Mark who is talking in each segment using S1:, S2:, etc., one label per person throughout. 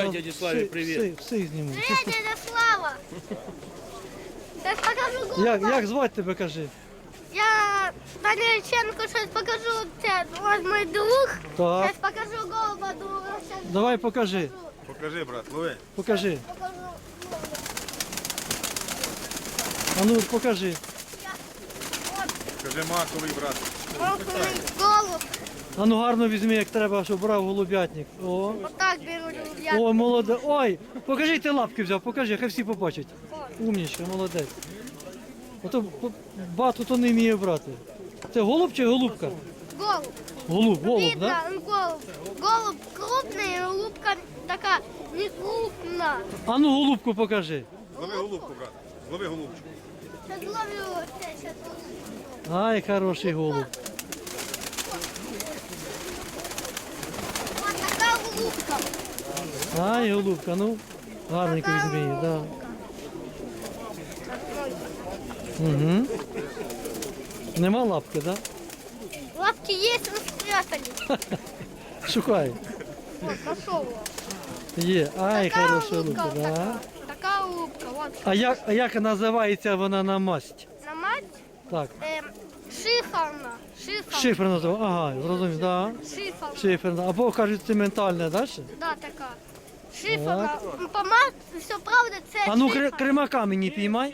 S1: Передай дяді Славі привіт.
S2: Всіх зніму.
S3: Привет, дядя Слава! Сейчас покажу голуба.
S2: Як звати тебе, кажи?
S3: Я Данилченко сейчас покажу. Це ось мой друг.
S2: Так.
S3: Сейчас покажу голуба друга. Сейчас
S2: Давай покажи.
S4: Покажи, брат, лови.
S2: Покажи.
S3: покажу.
S2: А ну покажи.
S4: Покажи маковий, брат.
S3: Вот мой голуб.
S2: А ну гарно візьми, як треба, щоб брав голубятник. О.
S3: Вот так беру я.
S2: О, молодець. Ой, покажи, ти лапки взяв, покажи, хай всі побачать. Умнічка, молодець. Ото бату то не вміє брати. Це голуб чи голубка?
S3: Голуб.
S2: Голуб, голуб,
S3: Видно,
S2: да?
S3: голуб. Голуб крупный, голубка такая не крупная.
S2: А ну голубку покажи.
S4: Злови голубку, брат. Злови голубчик.
S3: Сейчас ловлю. Сейчас.
S2: Ай, хороший голуб.
S3: Вот такая голубка.
S2: Ай, голубка, ну. Гарненько візьми її, да. Угу. Нема лапки, да?
S3: Лапки есть, но спрятали.
S2: Шукай.
S3: Вот, нашел его.
S2: Є. Ай,
S3: Такая
S2: хороша
S3: голубка,
S2: голубка, да.
S3: такая голубка, вот.
S2: А як називається вона на масть?
S3: На мать
S2: Так.
S3: шиферна. Шиферна.
S2: Шифр називає. Ага, зрозумів, да.
S3: Шиферна.
S2: Шиферна. Або кажуть, цементальна, да? ще?
S3: Да, такая. Шиферна. По мать, все правда, це
S2: А ну
S3: шиферна.
S2: кримака мені піймай.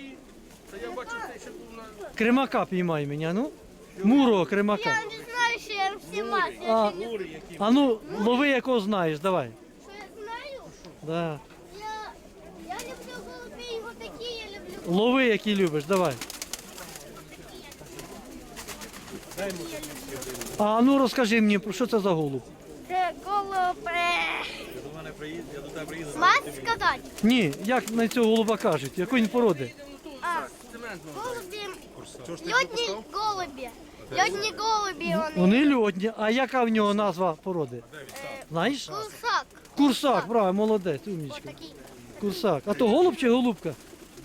S2: Кримака піймай мені, а ну. Мурого кримака.
S3: Я не знаю, що я всі мать.
S2: А, а ну, лови якого знаєш, давай.
S3: Що я знаю?
S2: Да.
S3: Я люблю голубей, вот такі я люблю.
S2: Лови, які любиш, давай. А ну розкажи мені, про що це за голуб?
S3: Це голуб.
S4: До мене приїзд, я до тебе приїду.
S3: Мать сказати?
S2: Ні, як на цього голуба кажуть, якої він породи?
S3: А, голубі.
S4: Чого ж ти
S3: Льотні голубі. Льотні голубі вони.
S2: Вони льотні, а яка в нього назва породи? Знаєш?
S3: Курсак.
S2: Курсак, правильно, молодець, умнічка.
S3: Отакий.
S2: Курсак. А то голуб чи голубка?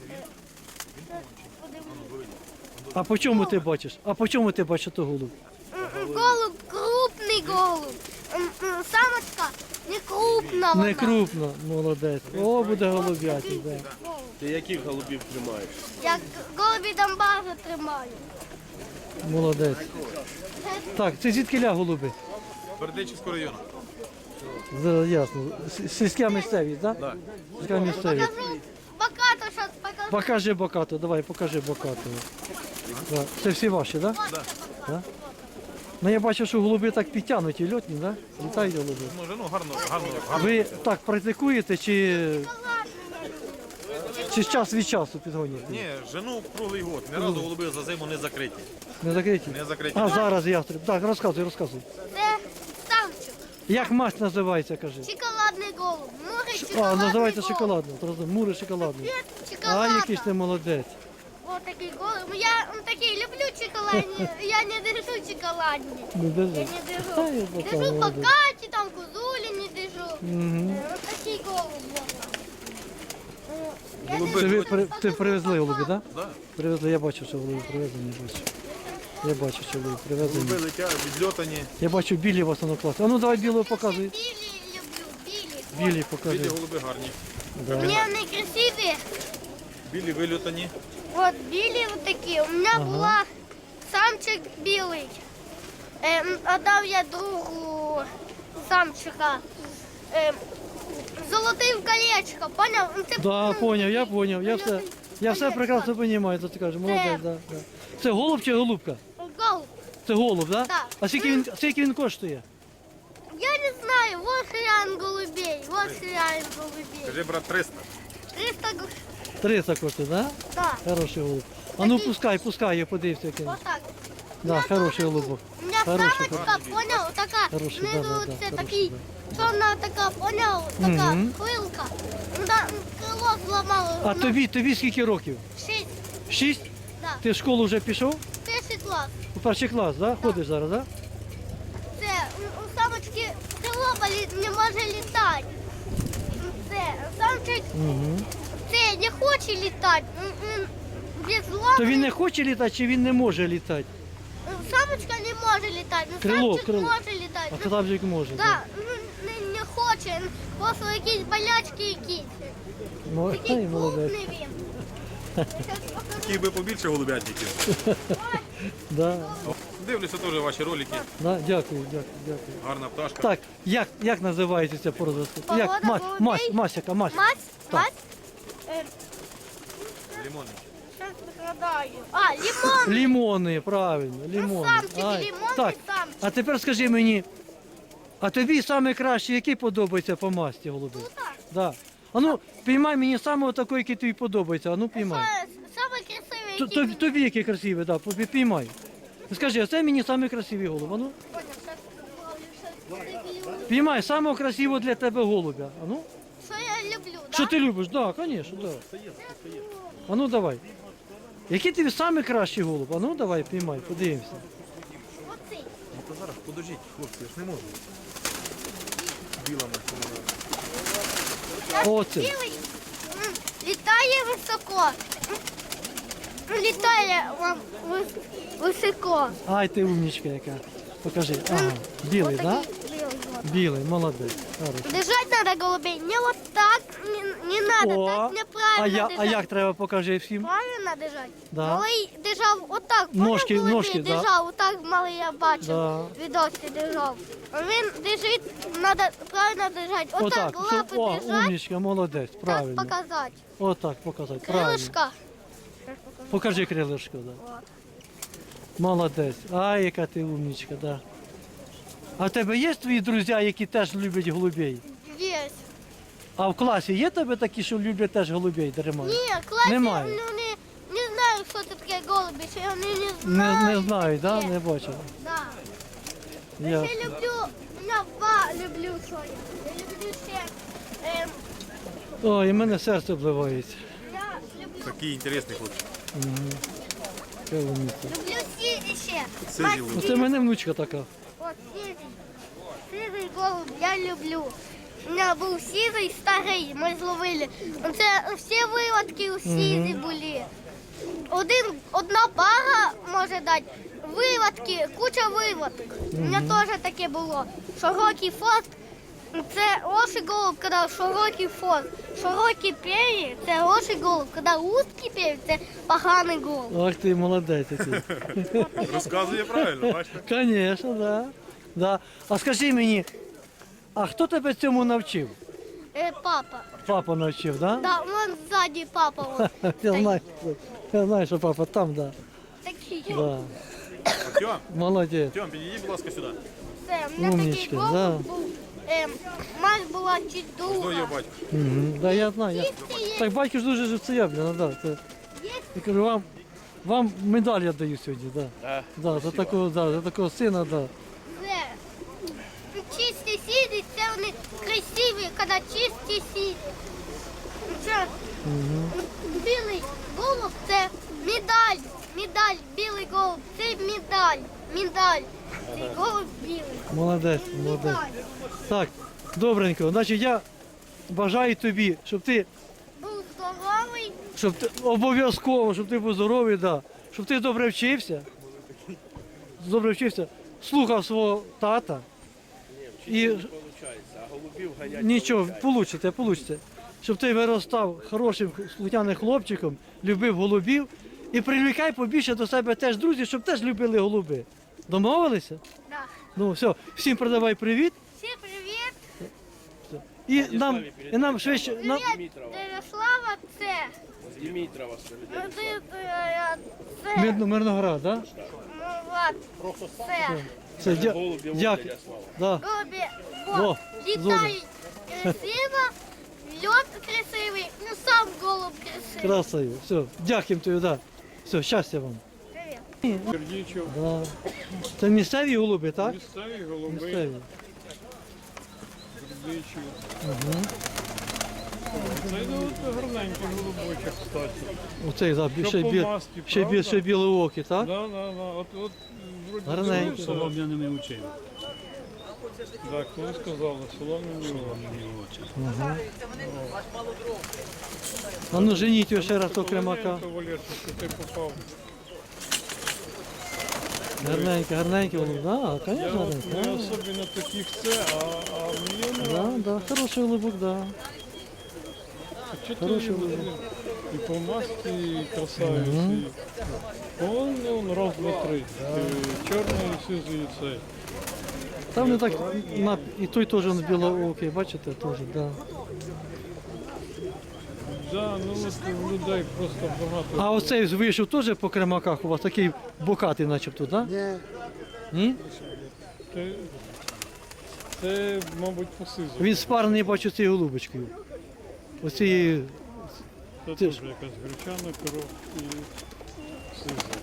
S2: А по чому ти бачиш? А по чому ти бачиш то голуб?
S3: Голуб, крупний голуб. Самочка не крупна вона.
S2: Не крупно, молодець. О, буде голуб'ятик, да.
S1: Ти яких голубів тримаєш?
S3: Як голубі Донбасу тримаю.
S2: Молодець. Так, це звідкиля голуби?
S4: Бердичівського району.
S2: Ясно. Сільська місцевість, так?
S4: Так.
S2: Сільська місцевість.
S3: Покажу бокату, зараз покажу.
S2: Покажи бокату, давай, покажи бокату. Да. Це всі ваші, так?
S3: Ось це бокату.
S2: Ну я бачу, що голуби так підтягнуті, льотні, так? Літають голуби.
S4: Може, ну гарно.
S2: Ви так практикуєте чи час від часу підгонюєте?
S4: Ні, жену круглий год. Ні разу голуби за зиму не закриті.
S2: Не закриті?
S4: Не закриті.
S2: А зараз ястреб. Так, розказуй.
S3: Це ставчик.
S2: Як масть називається, кажи?
S3: Шоколадний голуб. Море
S2: А,
S3: шоколадний
S2: називається
S3: голуб.
S2: шоколадно. Мури шоколадний. А,
S3: Шоколадна.
S2: який ж ти молодець.
S3: Вот такий голуб. Я такий люблю шоколадні. Я не держу шоколадні.
S2: Не держи.
S3: Я не держу.
S2: Та я пока
S3: Держу
S2: молодець.
S3: покаті, там кузулі не держу.
S2: Мгм.
S3: Вот такий голуб. Я
S4: Голуби
S2: Це ви
S4: льотні.
S2: ти привезли голуби, так?
S4: Да.
S2: Привезли, я бачу, що голуби привезені. Я бачу, що голуби привезені.
S4: Голуби летять, відльотані.
S2: Я бачу білі в основному класі. А ну давай білого показуй.
S3: білі люблю, білі.
S2: Білі покажи.
S4: Білі голуби гарні.
S2: Да.
S3: Мені вони красиві.
S4: Білі вильотані.
S3: Вот білі вот такі. У мене була самчик білий. Отдав я другу самчика. Золотий в колечко, поняв? Це,
S2: Да, поняв, я поняв. Я все прекрасно розумію, що ти кажеш. Молодець, да, да. Це голуб чи голубка?
S3: Голуб.
S2: Це голуб, так?
S3: Так.
S2: А скільки він коштує?
S3: Я не знаю, вот хрен голубей, вот хрен голубей.
S4: Кажи, брат, 300.
S3: 300 гривен.
S2: 300 коштує, так?
S3: Да,
S2: Хороший голуб. А ну пускай, я подивився. Який.
S3: вот так.
S2: Да, хороший голубок.
S3: У меня
S2: Хороший,
S3: самочка, понял, такая,
S2: Хороший,
S3: внизу
S2: да,
S3: це
S2: хороший,
S3: такий, чорна така, понял, така
S2: Мгм.
S3: хвилка. Да, крило зламало.
S2: А тобі скільки років?
S3: 6,
S2: 6?
S3: да,
S2: Ти в школу вже пішов?
S3: перший клас.
S2: У перший клас, да? Ходиш зараз, так?
S3: Це, у самочки крило болить, не може літати. Це, самчик,
S2: Угу.
S3: це не хоче літати. Без лапи.
S2: То він не хоче літати чи він не може літати?
S3: Самочка не може літати,
S2: Крило,
S3: самчик
S2: крило.
S3: може літати.
S2: А крабжик може.
S3: Да, не хоче краще. Просто якісь болячки якісь. Такий
S2: Ай, молодець.
S3: крупний він. Я щас покажу.
S4: Хотів би побільше голубятників.
S2: Да,
S4: Дивлюся теж ваші ролики.
S2: да, дякую, дякую, дякую.
S4: Гарна пташка.
S2: Так, як називається ця порода?
S3: Порода
S2: Як?
S3: голубей?
S2: Мась, яка мась?
S3: Мать,
S2: Так.
S3: мать.
S4: Лимонний.
S3: Щас згадаю. А, лимон.
S2: Лімони, правильно, лімони.
S3: самчики,
S2: Ай,
S3: лімонний
S2: так,
S3: самчик.
S2: а тепер скажи мені, а тобі найкраще, який подобається по масті голубий?
S3: Так.
S2: Да. А ну, піймай мені саме такий, який тобі подобається, а ну піймай.
S3: Саме красивий, який
S2: Тобі який красивий, да, піймай. Скажи, а це мені самий красивий голуб, а ну?
S3: Понял, щас добавлю, щас люблю.
S2: Піймай самого красивого для тебе голубя, а ну?
S3: Що я люблю,
S2: Що
S3: да?
S2: ти любиш? Да, звісно, да. А ну давай. Який тобі самий кращий голуб? А ну давай, піймай, подивимося.
S3: Оцей.
S4: Ну то зараз подождіть, хлопці, я ж не можу. Білами.
S2: Оце.
S3: Білий літає високо. Літає високо.
S2: Ай, ти умничка яка. Покажи. Ага, білий, так? Да?
S3: Отакий білий. от.
S2: Білий, молодець. Хорошо.
S3: Держать надо голубей. Не вот так, не надо, так неправильно
S2: а
S3: держать.
S2: як треба, покажи всім.
S3: Правильно держать?
S2: Да.
S3: Малий держав отак.
S2: Ножки-
S3: Поняв, голубей
S2: ножки, да.
S3: держав, отак малий я бачив.
S2: Да.
S3: Відоси держав. А він держить, надо правильно держать. Отак,
S2: Отак.
S3: лапи
S2: О,
S3: держать,
S2: умничка, молодець,
S3: так
S2: правильно.
S3: показати.
S2: Отак показати, правильно.
S3: Крилишка.
S2: Покажи крилишко, да.
S3: От.
S2: Молодець. Ай, яка ти умничка, да. А в тебе є твої друзі, які теж люблять голубей?
S3: Є.
S2: А в класі є тебе такі, що люблять теж голубей тримати?
S3: Ні, класі,
S2: Немає.
S3: ну, не знаю, що це таке голуби, що вони не знають.
S2: Не знаю, да?
S3: таке.
S2: Не бачив.
S3: Да. Я
S2: Ясно.
S3: ще люблю, я два люблю своє. Я люблю ще,
S2: Ой, і мене серце обливається.
S3: я люблю,
S4: Такий інтересний хлопчик.
S2: Яка умниця.
S3: люблю сірі ще.
S4: Сизі
S3: Мать,
S2: Ну, це в мене внучка така.
S3: От сірий. Сірий голуб я люблю. У мене був сірий старий, ми зловили. Це всі виводки у сірі були. Одна пара може дати. Виводки, куча виводок. У мене теж таке було. Широкий фост. Це лоший голуб, коли широкий фост. Широкий пер'ї – це лоший голуб. Коли узкий пер'ї – це поганий голуб.
S2: Ах ти молодець який.
S4: Розказує правильно, бачите?
S2: Звісно, да. Да. А скажи мені, а хто тебе цьому навчив?
S3: Папа.
S2: Папа навчив, да?
S3: Да, вон ззаді папа. От,
S2: Я знаю, що папа там, да.
S3: такий.
S2: Да.
S4: Артем,
S2: Молодець.
S4: Артем, підійди, будь ласка, сюди.
S3: Це, у мене такий
S2: Умничка,
S3: голуб
S2: да.
S3: був. Мать була чуть
S4: Хто його
S3: довга.
S4: батько?
S2: Угу. Да, я знаю. Так батько ж дуже живцеєвлено, да. Це, я кажу, вам медаль я даю сьогодні, да. Да, за такого сина, да.
S3: Це чисті сіді, це вони красиві, коли чисті сіді. Це білий голуб це медаль. Медаль, білий голуб, це медаль. Медаль. Цей голуб білий.
S2: Молодець, молодець.
S3: Медаль.
S2: Так, добренько. Значить, я бажаю тобі, щоб ти
S3: Був здоровий.
S2: обов'язково, щоб ти був здоровий, да. Щоб ти добре вчився, слухав свого тата. І
S1: Вчитися не виходить, а голубів ганять.
S2: нічого,
S1: получається.
S2: получите. Щоб ти виростав хорошим слухняним хлопчиком, любив голубів і привлікай побільше до себе теж друзів, щоб теж любили голуби. Домовилися?
S3: Да.
S2: Ну все, всім передавай привіт.
S3: Всім привіт.
S2: І нам швидше. Нам...
S3: Привіт, Ярослава, це.
S1: З Дімітрова
S3: Ну,
S1: спереди.
S3: це.
S2: Мирноград, так?
S3: Ну, от, це.
S2: Все,
S1: Голубів
S2: дякую.
S1: Ярослава.
S2: Да.
S3: Голубі,
S2: О,
S3: от, літають красиво, льот красивий, ну сам голуб красивий.
S2: Красиво. Все, дякуємо тобі, да. Все, щастя вам.
S3: Привіт.
S5: Сердічок,
S2: Да. Це місцеві голуби, так?
S5: місцеві голуби,
S2: Місцеві.
S5: сердічок. Це от гарненький голубочок, кстати.
S2: Оцей, да,
S5: Що
S2: ще,
S5: по
S2: бі...
S5: масті,
S2: ще,
S5: правда?
S2: ще білоокі, так?
S5: Да, да, да. От вроді
S2: Гарненький.
S5: дивився.
S6: Солом'яними очима.
S5: Так, коли сказали, солом'яні очі.
S2: А ну женіть його ще раз до кремака.
S5: Валерчик, ти попав.
S2: Гарненький, гарненький голуб, да,
S5: Я
S2: звісно,
S5: от не
S2: гарненький.
S5: особливо таких це, а мені не
S2: Да, да, хороший голубок, да. Хороший голубок.
S5: і по масті, і красавець. Он раз, два, три. Чорний, сизий і цей.
S2: Там не так, і той теж он білоокий, бачите, теж, да.
S5: Да, ну от у людей просто багато.
S2: А оцей вийшов теж по кремаках у вас, такий бокатий начебто, так? Да? Ні.
S5: Це, мабуть, по сизу.
S2: Він спарений, бачу, цією голубочкою. Оцією,
S5: Це
S2: Ти
S5: теж
S2: ж-
S5: якась гречана кров і сиза.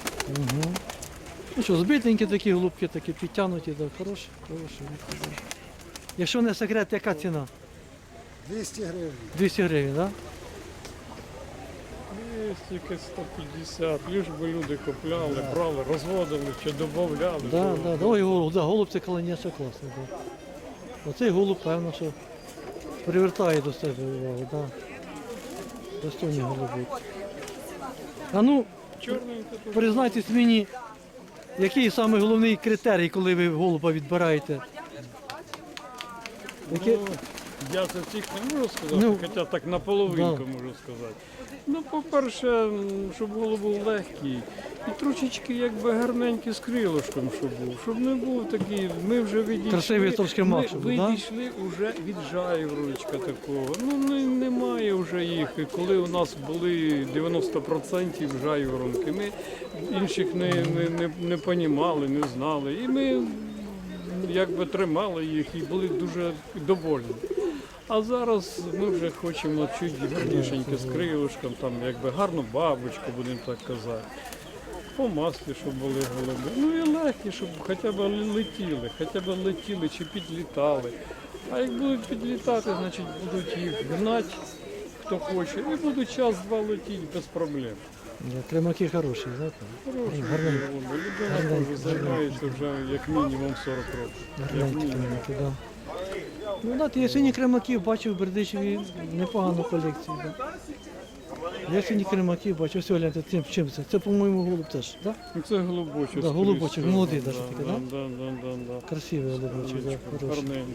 S2: ну що, збитенькі такі голубки, такі підтягнуті, да, хороші, хороші. Якщо не секрет, яка ціна?
S6: 200 гривень.
S2: 200 гривень, так?
S5: Є тільки 150, лиш би люди купляли, брали, розводили чи додавали.
S2: Да, да, да. Ой, голуб, да, голуб це колоніше класний. Да. Оцей голуб, певно, що привертає до себе увагу, да. Достойний голубок. А ну,
S5: Чорненька тут.
S2: признайтесь мені, який саме головний критерій, коли ви голуба відбираєте? Яке-
S5: Ну, я за цих не можу сказати,
S2: Ну,
S5: хоча так наполовинку
S2: да.
S5: можу сказати. Ну, по-перше, щоб голуб був легкий і трошечки якби гарненький з крилишком, щоб не був такий, ми вже відійшли.
S2: Красивий трошки
S5: ми
S2: мак, щоб був, да?
S5: відійшли вже від жайвороночка такого. Ну, немає вже їх. І коли у нас були 90% жайворонки, ми інших не понімали, не знали. І ми якби тримали їх і були дуже довольні. А зараз ми вже хочемо чуть гарнішеньке з крилишком, там якби гарну бабочку, будемо так казати. По маслі, щоб були голуби. Ну і легкі, щоб хоча б летіли чи підлітали. А як будуть підлітати, значить будуть їх гнати, хто хоче, і будуть час-два летіти без проблем.
S2: Да, кремаки хороші, знаєте?
S5: Хороші
S2: Гарненькі.
S5: голуби. Людина теж займається вже як мінімум 40 років. Як
S2: Гарненькі
S5: мінімум.
S2: кремаки, да. Ну, да, я сьогодні кремаків бачив в Бердичеві непогану колекцію. Да. Я сьогодні кремаків бачив, ось гляньте, чим це? Це, по-моєму, голуб теж, так? Да?
S5: Ну, це голубочок.
S2: Да, голубочок,
S5: скрізь,
S2: молодий
S5: да,
S2: даже такий,
S5: да?
S2: да?
S5: Да.
S2: Красивий голубочок, да, хороший.
S5: Гарненький.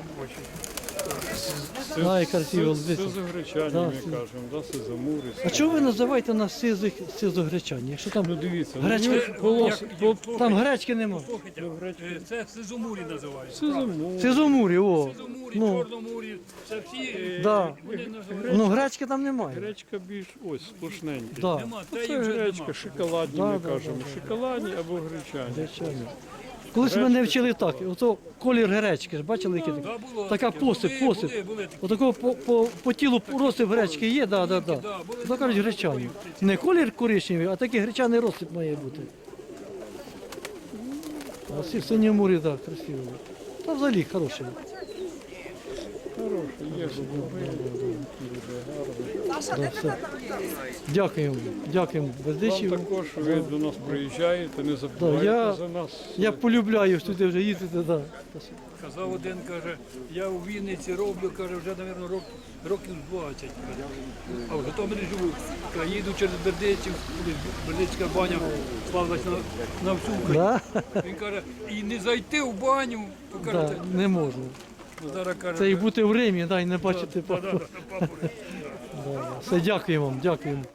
S2: Ай, красивий голубець.
S5: Сизогречані,
S2: Да,
S5: ми
S2: сизо.
S5: кажемо, да, сизомури.
S2: А чого ви називаєте нас сизогречані? Якщо там
S5: Ну дивіться,
S2: Гречка- там гречки нема.
S7: Це Сизомурі називається.
S5: сизомури.
S2: Сизомурі, о.
S7: Сизомурі,
S2: Ну,
S7: Чорномурі, це всі
S2: да.
S7: вони називають.
S2: Ну, гречки там немає.
S5: Гречка більш ось сплошненька.
S2: Да.
S7: Нема,
S5: Ну,
S7: та
S5: це
S7: їх вже
S5: гречка,
S7: нема.
S5: шоколадні,
S2: Да,
S5: ми
S2: да,
S5: кажемо.
S2: да,
S5: Шоколадні або гречані.
S2: Гречані. Колись мене вчили так, ото колір гречки, ж бачили, який такий?
S7: Да, було
S2: Така
S7: таке.
S2: посип,
S7: Були
S2: посип.
S7: такі.
S2: Отакого по тілу розсип гречки є, да. То кажуть гречані. Не колір коричневий, а такий гречаний розсип має бути. А синьомурі, так, красиво. Та взагалі хороший.
S5: Хороші, є голуби, дуже гарні.
S2: Да, все. Дякуємо, дякуємо
S5: Вам
S2: Бердичеву.
S5: також ви до нас приїжджаєте, не забувайте
S2: я-
S5: за нас.
S2: Я полюбляю сюди вже їздити, да.
S7: Казав один, каже, я у Вінниці роблю, каже, вже, мабуть, років 20. Каже. А в Житомирі живу. Каже, їду через Бердичів, Бердичська баня, славилась на всю Україну.
S2: Да?
S7: Він каже, і не зайти в баню, то каже,
S2: Да, не можна.
S7: зараз каже,
S2: Це і бути в Римі, да, і не бачити папу.
S7: папу.
S2: Все, дякуємо вам, дякуємо.